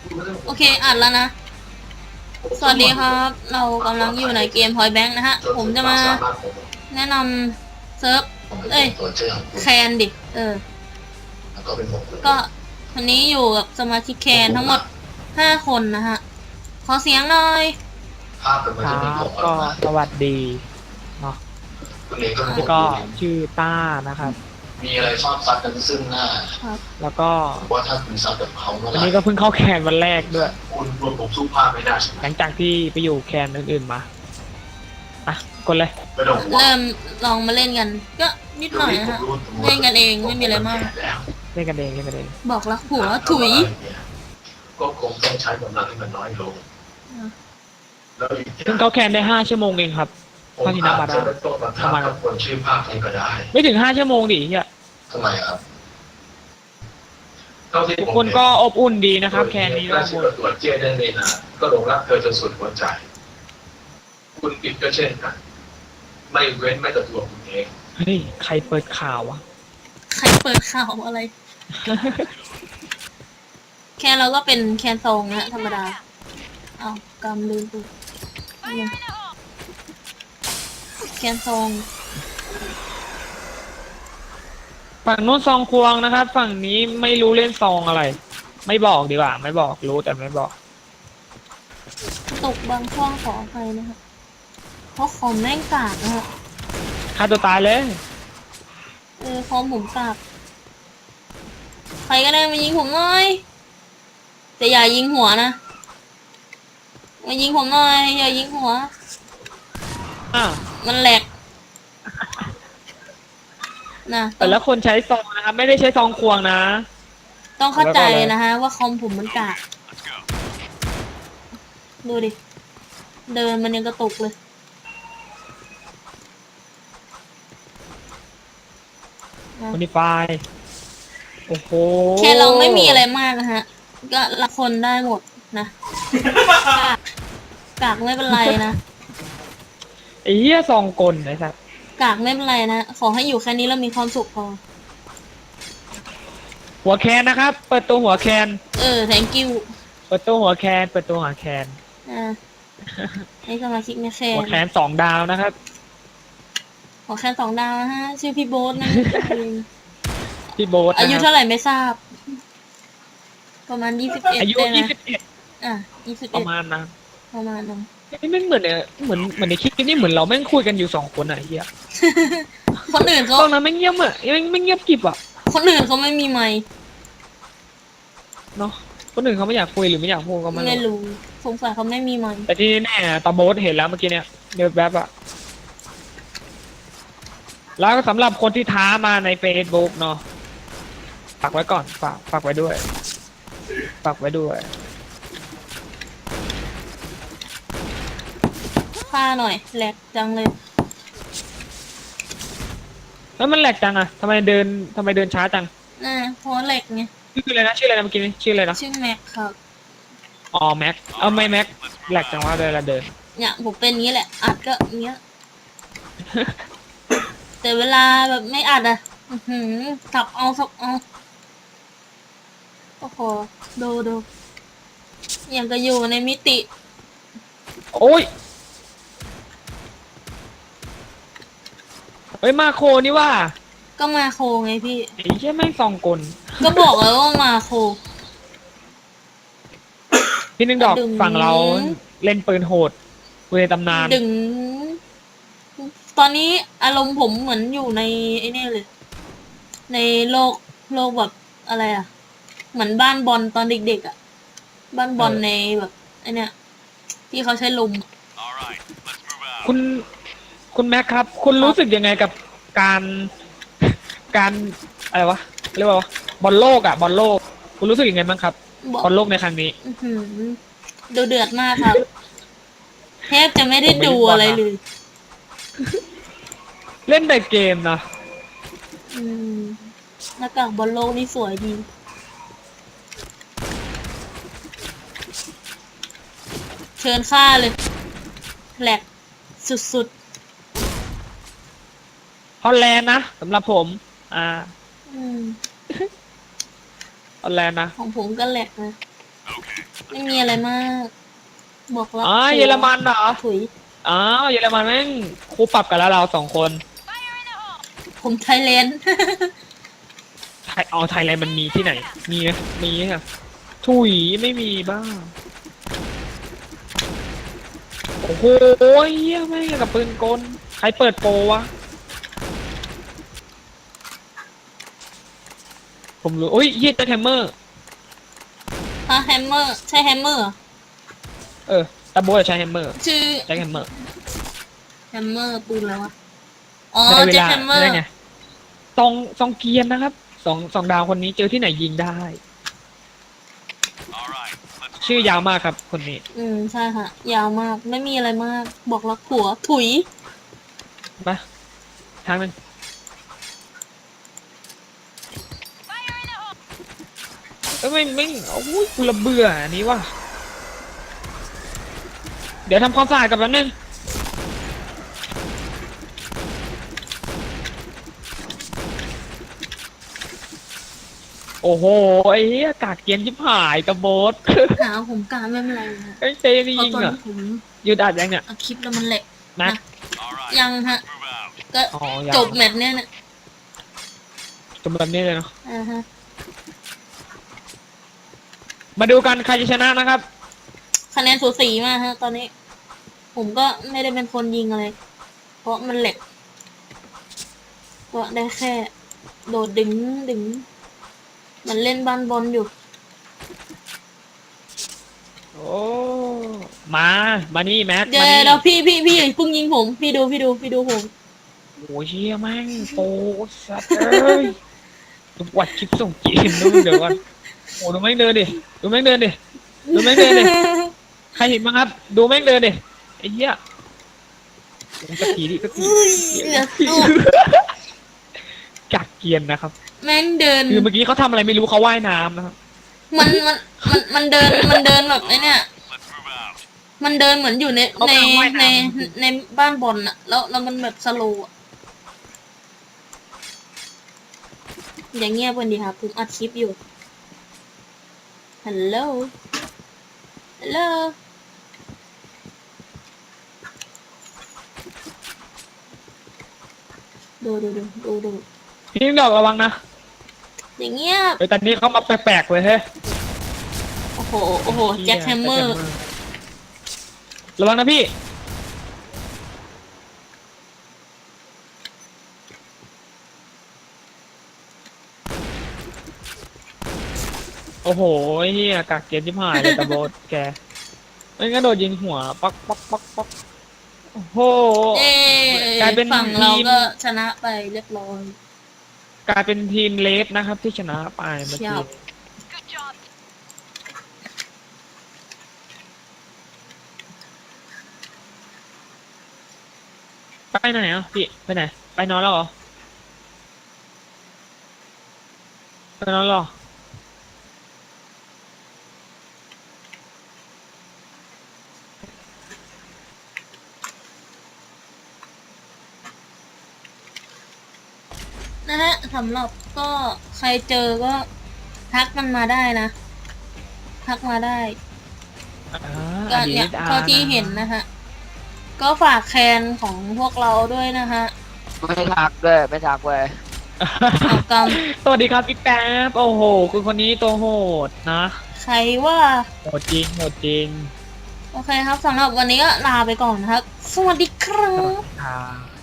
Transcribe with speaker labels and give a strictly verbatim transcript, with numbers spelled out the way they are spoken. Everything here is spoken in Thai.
Speaker 1: โอเคอัดแล้วนะสวัสดีครับเรากำลังอยู่ในเกม Point Blank นะฮะผมจะมาแนะนำเซิร์ฟเอ้ยแคนดิเออก็วันนี้อยู่กับสมาชิกแคนทั้งหมดห้าคนนะฮะขอเสียงหน่อย
Speaker 2: ครับก็สวัสดีเนาะแล้วก็ชื่อต้านะครับ
Speaker 3: มีอะไรชอบซัดกันซึ่งหน้า
Speaker 2: แล้วก็
Speaker 3: ว่าถ้าคุณซัดกับเขา
Speaker 2: วันนี้ก็เพิ่งเข้าแคนวันแรกด้วย
Speaker 3: คุณรวมผมสู้ภาพไม่ได้
Speaker 2: หลังจากที่ไปอยู่แคนอื่นๆมาอ่ะกดเลย
Speaker 1: เริ่มลองมาเล่นกันก็นิดหน่อยนะฮะเล่นกันเองไม่มีอะไรมาก
Speaker 2: เล่นกันเองเล่นกันเอง
Speaker 1: บอกรักผัวถุย
Speaker 3: ก็คงต้องใช้กำลังที่มันน้อยลง
Speaker 2: เพิ่งเข้าแคนได้ห้าชั่วโมงเองครับพาทินาบาดา
Speaker 3: ประมาณคนชื่อภาพนี้ก็ได้
Speaker 2: ไม่ถึงห้าชั่วโมงดิเฮีย
Speaker 3: ทำไมครับ
Speaker 2: ทุกคนก็อบอุ่นดีนะครับแคนนี้
Speaker 3: ก็ตรวจเจได้เลยนะก็หลงรักเธอจนสุดหัวใจคุณปิดก็เช่นกันไม่เว้นไม่แต่ตัวคุณเอง
Speaker 2: เฮ้ยใครเปิดข่าววะ
Speaker 1: ใครเปิดข่าวอะไรแคนเราก็เป็นแคนทรงนะธรรมดาเอากำลืมตัวแคนทรง
Speaker 2: ฝั่งนู้นซองควงนะครับฝั่งนี้ไม่รู้เล่นซองอะไรไม่บอกดีกว่าไม่บอกรู้แต่ไม่บอก
Speaker 1: ตกบางช่วงขออภัยนะครับเพราะคอมแม่งกากนะฮะ
Speaker 2: ฆ่าตัวตายเลย
Speaker 1: เออคอมผมกากใครก็ได้มายิงผมหน่อยแต่อย่ายิงหัวนะมายิงผมหน่อยอย่ายิงหัว
Speaker 2: อ่ะ
Speaker 1: มันแหลกนะ
Speaker 2: แต่ละคนใช้ซองนะครับไม่ได้ใช้ซองควงนะ
Speaker 1: ต้องเข้าใจนะฮะว่าคอมผมมันกากดูดิเดินมันยังกระตุกเลย
Speaker 2: โมดิฟายโอ้โห
Speaker 1: แค่เราไม่มีอะไรมากนะฮะก็ละคนได้หมดนะกากกากไม่เป็นไรนะ
Speaker 2: ไอ้เหี้ยซองกลไอ้สัส
Speaker 1: กากไม่เป็นไรนะขอให้อยู่แค่นี้แล้วมีความสุขพอ
Speaker 2: หัวแคนนะครับเปิดตัวหัวแคน
Speaker 1: เออ thank you
Speaker 2: เปิดตัวหัวแคนเปิดตัวหัวแคน
Speaker 1: อ่าให้สมาชิกในแคน
Speaker 2: หัวแคนสองดาวนะครับ
Speaker 1: หัวแคนสองดาวนะฮะชื่อพี่โบ๊ทนะ
Speaker 2: พี่โบ๊ท
Speaker 1: อายุเท่าไหร่ไม่ทราบประมาณยี่สิบเอ็ด
Speaker 2: อายุยี่สิบเอ็ด
Speaker 1: อ่ะยี่สิบ
Speaker 2: ป
Speaker 1: เอ็ด
Speaker 2: ระมาณนะ
Speaker 1: ประมาณนั้น
Speaker 2: นี่แม่งเหมือนเนี่ยเหมือนเหมือนในคลิปนี่เหมือนเราแม่งคุยกันอยู่สองคนอะเฮีย
Speaker 1: คนอื่นเขา
Speaker 2: ตอนนั้นไม่เงียบอะไม่ไม่เงียบกิบอะ
Speaker 1: คนอื่นเขาไม่มีไมค์
Speaker 2: เนาะคนอื่นเขาไม่อยากคุยหรือไม่อยากพูดก็
Speaker 1: ไม่รู้สงสัยเขาไม่มีไมค์
Speaker 2: แต่ที่แน่ตาโบ๊ทเห็นแล้วเมื่อกี้เนี่ยเดือดแบบอะแล้วก็สำหรับคนที่ท้ามาใน Facebook เนาะฝากไว้ก่อนฝากฝากไว้ด้วยฝากไว้ด้วย
Speaker 1: ฆ่าหน่อยแหลกจังเลย
Speaker 2: แล้วมันแหลกจังอะทำไมเดินทำไมเดินช้าจัง
Speaker 1: อ่าเพราะแหลกไง
Speaker 2: ชื่ออะไรนะชื่ออะไรนะเมื่อกี้นี้ชื่ออะไรนะ
Speaker 1: ชื่อแม็กครับ
Speaker 2: อ๋อแม็กเอาไม่แม็กแหลกจังว่าเดินละเดิน
Speaker 1: เนี่ยผมเป็นงี้แหละอัดก็เงี้ยแต่เวลาแบบไม่อัดอ่ะหืมสับเอาสับเอาโอ้โหดูดูอย่างก็อยู่ในมิติ
Speaker 2: โอ้ยเฮ้ยมาโคนี่ว่า
Speaker 1: ก็มาโคไงพี่
Speaker 2: ไอ้ใช่แม่งซองกล
Speaker 1: ก็บอกแล้วว่ามาโค
Speaker 2: พี่นึงดอกฝั่งเราเล่นปืนโหดปืนในตำนาน
Speaker 1: ดึงตอนนี้อารมณ์ผมเหมือนอยู่ในไอ้นี่เลยในโลกโลกแบบอะไรอ่ะเหมือนบ้านบอลตอนเด็กๆอ่ะบ้านบอลในแบบไอ้นี่ที่เขาใช้ลม
Speaker 2: คุณคุณแม็กครับคุณรู้สึกยังไงกับการการอะไรวะเรียกว่าบอลโลกอ่ะบอลโลกคุณรู้สึกยังไงบ้างครับบอลโลกในครั้งนี้
Speaker 1: ดูเดือดมากครับแทบจะไม่ได้ดูอะไรเลย
Speaker 2: เล่นแต่เกมนะ
Speaker 1: อืมหน้ากากบอลโลกนี่สวยดีเชิญค่าเลยแหลกสุด
Speaker 2: ๆฮอลแลนด์นะสำหรับผมอ่าฮอลแลนด์นะ
Speaker 1: ของผมก็แหลกนะไม่มีอะไรมาก บอกรัก
Speaker 2: อ๋อ
Speaker 1: ผัว
Speaker 2: เยอรมันเหรอ
Speaker 1: ถุย
Speaker 2: อ๋อเยอรมันแม่งคู่ปรับกันแล้วเราสองคน
Speaker 1: ผมไทยแลนด์
Speaker 2: ไทยเอาไทยแลนด์มันมีที่ไหน มีไหมมีค่ะถุยไม่มีบ้างโอ้โหเหี้ยแม่งกับปืนกลใครเปิดโปรวะผมรู้โอ้ยเหี้ยเจอแฮมเมอร์
Speaker 1: ฮะแฮมเมอร์ ใช่แฮมเมอร์เหรอ
Speaker 2: เออตาโบจะใช้แฮมเมอร์
Speaker 1: ชื่อ
Speaker 2: ใช้แฮมเมอร์
Speaker 1: แฮมเมอร์ปืนแล้ววะ อ๋อ
Speaker 2: ได้เว
Speaker 1: เจ็ค
Speaker 2: ลา
Speaker 1: แฮมเมอร์
Speaker 2: ได้ไงซองซองเกียนนะครับสองสองดาวคนนี้เจอที่ไหนยิงได้ ชื่อยาวมากครับคนนี้
Speaker 1: อืม ใช่ค่ะ ยาวมาก ไม่มีอะไรมาก บอกรักผัว ถุย
Speaker 2: มาทางหนึงเอ้ยไม่ไม่โอ้ยกูระเบื่ออันนี้ว่ะเดี๋ยวทำความสะอาดกับแป๊บนึงโอ้โหไอ้เหี้ยกากเกียนชิบหายกระโบด
Speaker 1: หาผมการไม่เป็นไรนะ
Speaker 2: ไอ้เจนี่
Speaker 1: เพราะ
Speaker 2: ยิง
Speaker 1: ตอน
Speaker 2: เหรอ
Speaker 1: ที่ผม
Speaker 2: หยุดอัดยังเนี่ย
Speaker 1: เอาคลิปแล้วมันแหลก
Speaker 2: นะ
Speaker 1: นะ ยังฮะ ก็
Speaker 2: อ๋อยัง
Speaker 1: จบแมตช์เนี้ยนะ
Speaker 2: จบแบบนี้เลยเนาะ
Speaker 1: อ่าฮะ
Speaker 2: มาดูกันใครจะชนะนะครับ
Speaker 1: คะแนนสูสีมากฮะ ตอนนี้ ผมก็ไม่ได้เป็นคนยิงอะไร เพราะมันแหลก ก็ได้แค่ โดดดึงดึง มันเล่นบ้านบอลอยู่
Speaker 2: โอ้ มา มานี่แมท
Speaker 1: เดี๋ย
Speaker 2: มาว นี่
Speaker 1: เดี๋ยวพี่พี่พี่อย่าเพิ่งยิงผม พี่ดูพี่ดูพี่ดูผม
Speaker 2: โอ้ยเชี่ยแม่งโปสัตว์เอ้ยดูวัดคลิปส่งจีนดูเดี๋ยวก่อนโอ้ดูแม่งเดินดิ ดูแม่งเดินดิ ดูแม่งเดินดิ ใครเห็นบ้างครับ ดูแม่งเดินดิ ไอ้เหี้ยโอ้สักทีดิสักที
Speaker 1: เหลือสู้
Speaker 2: กักเกียนนะครับ
Speaker 1: แม่งเดิน
Speaker 2: คือเมื่อกี้เขาทำอะไรไม่รู้เขาว่ายน้ำนะครับ
Speaker 1: มันมันมันมันเดินมันเดินแบบไอ้เนี่ย มันเดินเหมือนอยู่ใน
Speaker 2: เขา
Speaker 1: ใน
Speaker 2: กำลังว่าย
Speaker 1: ใน
Speaker 2: น้ำ
Speaker 1: ในบ้านบอลอะแล้วแล้วมันแบบสโลว์อะอย่างเงียบกันดีครับผมอัดคลิปอยู่ฮัลโหลฮัลโหลดูดูดูดูดู
Speaker 2: พี่ดอกระวังนะ
Speaker 1: อย่างเงียบ
Speaker 2: เฮ้ยแต่นี้เขามาแปลกๆเลยเฮ้ย
Speaker 1: โอ้โหโอ้โหแจ็คแฮมเมอร์
Speaker 2: ระวังนะพี่ โอ้โหเฮียกักเกียนชิบหายเลยตะโบดแกไม่งั้นโดนยิงหัวปักปักปักปักโอ้โห
Speaker 1: เอ้
Speaker 2: กลายเป็น
Speaker 1: ฝั่งเรา
Speaker 2: ทีม
Speaker 1: ก็ชนะไปเรียบร้อย
Speaker 2: กลายเป็นทีมเลสนะครับที่ชนะไปเมื่อ
Speaker 1: ครั
Speaker 2: กี้
Speaker 1: บ
Speaker 2: ไปไหนอ่ะพี่ไปไหนไปนอนแล้วเหรอไปนอนแล้วเหรอ
Speaker 1: นะฮะสำหรับก็ใครเจอก็ทักมันมาได้นะ ทักมาได้
Speaker 2: อ่า
Speaker 1: ก็เนี่ย
Speaker 2: อดีตอา
Speaker 1: เท่าที่เห็นนะฮะ ก็ฝากแคนของพวกเราด้วยนะฮะ
Speaker 4: ไม่ทักด้วยไม่ทักเว้ย
Speaker 1: เอากรรม
Speaker 2: สวัสดีครับพี่แป๊บโอ้โหคุณคนนี้ตัวโหดนะ
Speaker 1: ใครว่า
Speaker 2: โหดจริงโหดจริง
Speaker 1: โอเคครับสำหรับวันนี้ก็ลาไปก่อนนะครับ สวัสดีครับ
Speaker 2: ครับ